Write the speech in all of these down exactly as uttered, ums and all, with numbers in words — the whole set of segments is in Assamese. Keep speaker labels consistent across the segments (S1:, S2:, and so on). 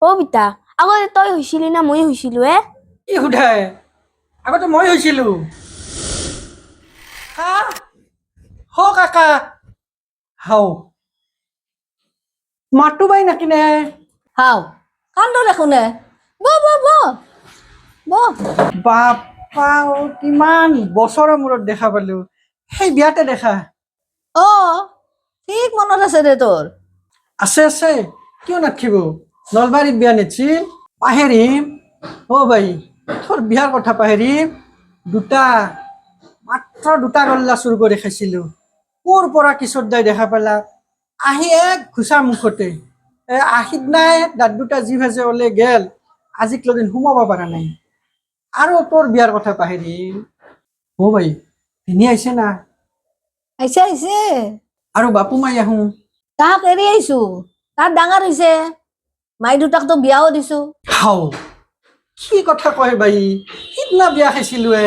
S1: অ বিতা আগতে তই হৈছিলি না মই হৈছিলো এ
S2: কি সুধাই আগতে মই হৈছিলো হা হ কাকা হাও মাতো বাই নাকিনে
S3: হাও কান্দ দেখোনে ব ব ব ব
S2: বাপা অ, কিমান বছৰৰ মূৰত দেখা পালো সেই বিয়াতে দেখা
S3: অ ঠিক মনত আছে দে তোৰ
S2: আছে আছে কিয় নাথাকিব নলবাৰীত বিয়া নিছিল পাহেৰিম অ ভাই তোৰ বিয়াৰ কথা পাহেৰিম দুটা মাত্ৰ দুটা গল্লা চুৰ কৰি খাইছিলো ক'ৰ পৰা কিশোৰ দাই দেখা পালা আহি এক ঘুচা মুখতে এ আহিত নাই দাঁত দুটা যি ভাজে ওলে গেল আজিক লগিন সোমাব পৰা নাই আৰু তোৰ বিয়াৰ কথা পাহেৰিম অ ভাই ভিনি আহিছে না
S3: আহিছে আহিছে
S2: আৰু বাপু মাই আহো
S3: তাহাক এৰি আহিছো তাত ডাঙৰ হৈছে মাই দুটাকতো বিয়াও দিছো
S2: হাও কি কথা কয় বাই সিদিনা বিয়া খাইছিলো এ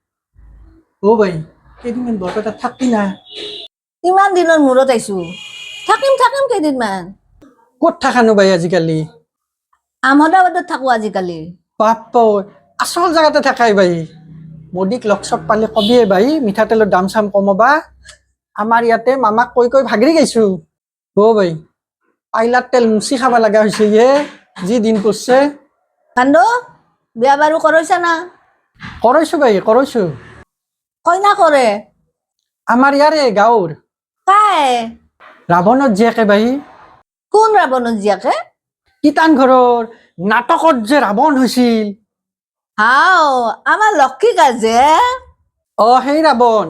S2: অ বাই কেইদিনমান বৰপেটাত থাকবি না
S3: কিমান দিনৰ মূৰত আহিছো থাকিম থাকিম কেইদিনমান
S2: ক'ত থাকানো বাই আজিকালি
S3: আহমদাবাদত থাকো আজিকালি
S2: বাপ আচল জেগাতে থাকাই বাই মোদীক লগ চগ পালে কবিয়ে বাই মিঠাতেলৰ দাম চাম কমাবা আমাৰ ইয়াতে মামাক কৈ কৈ ভাগৰি গৈছো অ বাই পাইলাৰ তেল মুচি খাব লগা হৈছে হে যি দিন পৰিছে
S3: কান্দ বিয়া বাৰু কৰিছা না
S2: কৰাইছো বাই কৰাইছো
S3: কইনা কৰে
S2: আমাৰ ইয়াৰে গাঁৱৰ
S3: কাই
S2: ৰাৱণৰ জীয়েকে বাই
S3: কোন ৰাৱণৰ জীয়াকে
S2: কীৰ্তান ঘৰৰ নাটকত যে ৰাৱণ হৈছিল
S3: হাও আমাৰ লক্ষী কাজে
S2: অ সেই ৰাৱণ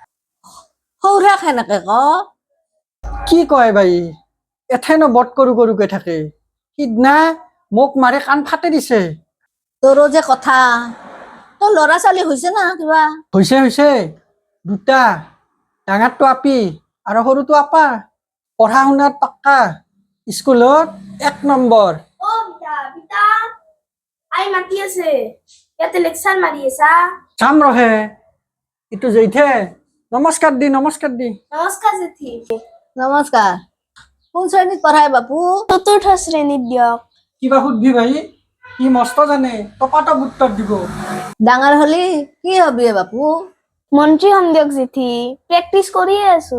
S3: সৌৰা সেনেকে ক
S2: কি কয় বাই এথেনো বট কৰো কৰোকে থাকে সিদিনা মোক মাৰি কাণ ফাটে দিছে
S3: তোৰো যে কথা তোৰ ল'ৰা ছোৱালী হৈছে না কিবা
S2: হৈছে হৈছে দুটা ডাঙৰটো আপি আৰু সৰুটো আপা পঢ়া শুনাত পাক্কা স্কুলত এক নম্বৰ
S1: অ বিতা বিতা আই মাতি আছে ইয়াতে লেকচাৰ মাৰি আছা
S2: চাম ৰহে ইটো জেঠে নমস্কাৰ দি নমস্কাৰ দি
S1: নমস্কাৰ জেঠি
S3: নমস্কাৰ কোন শ্ৰেণীত পঢ়াই বাপু
S1: চতুৰ্থ শ্ৰেণীত দিয়ক
S2: কিবা সুধবি ভাই সি মস্ত জানে টপাটপ উত্তৰ দিব
S3: ডাঙৰ হলি কি হবি এ বাপু
S1: মন্ত্ৰী হম দিয়ক জেঠি প্ৰেক্টিচ কৰিয়ে আছো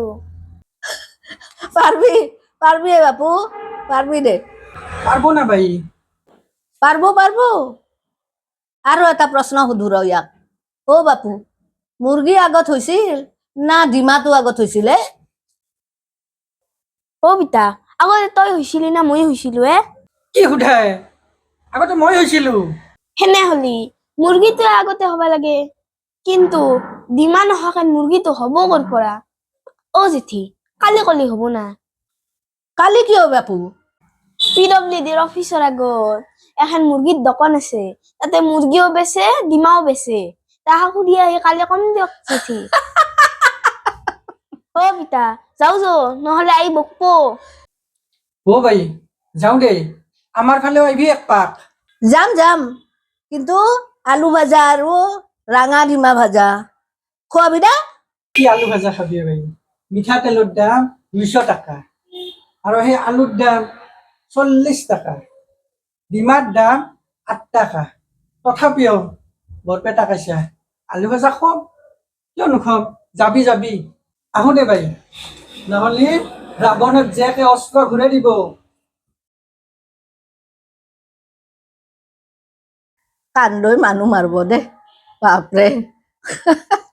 S3: পাৰবি পাৰবি এ বাপু পাৰবি দে
S2: পাৰব না ভাই
S3: পাৰব পাৰব আৰু এটা প্ৰশ্ন সুধো ৰ ইয়াক অ বাপু মুৰ্গী আগত হৈছিল না ডিমাটো আগত হৈছিলে
S1: অ বিতা আগতে তই হৈছিলি না মই হৈছিলো এ
S2: কি সুধাই আগতে মই হৈছিলো
S1: হেনে হলি মুৰ্গীটোৱে আগতে হব লাগে কিন্তু ডিমা নহাকে মুৰ্গীটো হব কৰ পৰা অ জেঠি কালি কলি হব না
S3: কালি কিয় বাপু
S1: পি ডব্লিউ ডিৰ অফিচৰ আগত এখন মুৰ্গীৰ দোকান আছে তাতে মুৰ্গীও বেচে ডিমাও বেচে তাহাক সুধি আহি কালি কম দিয়ক জেঠি অ বিতা যাও যো নহলে আই বকব
S2: অ ভাই যাওঁ দে আমাৰ ফালেও আহিবি এক পাক
S3: যাম যাম কিন্তু আলু ভাজা আৰু ৰাঙা ডিমা ভাজা খোৱাবি না
S2: কি আলু ভাজা খাবি ভাই মিঠাতেলৰ দাম দুইশ টকা আৰু সেই আলুৰ দাম চল্লিছ টকা ডিমাৰ দাম আঠ টকা তথাপিও বৰপেটা কাইছা আলু ভাজা খুৱাম কিয় নুখুৱাম যাবি যাবি আহো দে ভাই নহ'লে ৰাৱণত জীয়েকে অস্ত্ৰ ঘূৰাই দিব
S3: কান্দৈ মানুহ মাৰব দে বাপৰে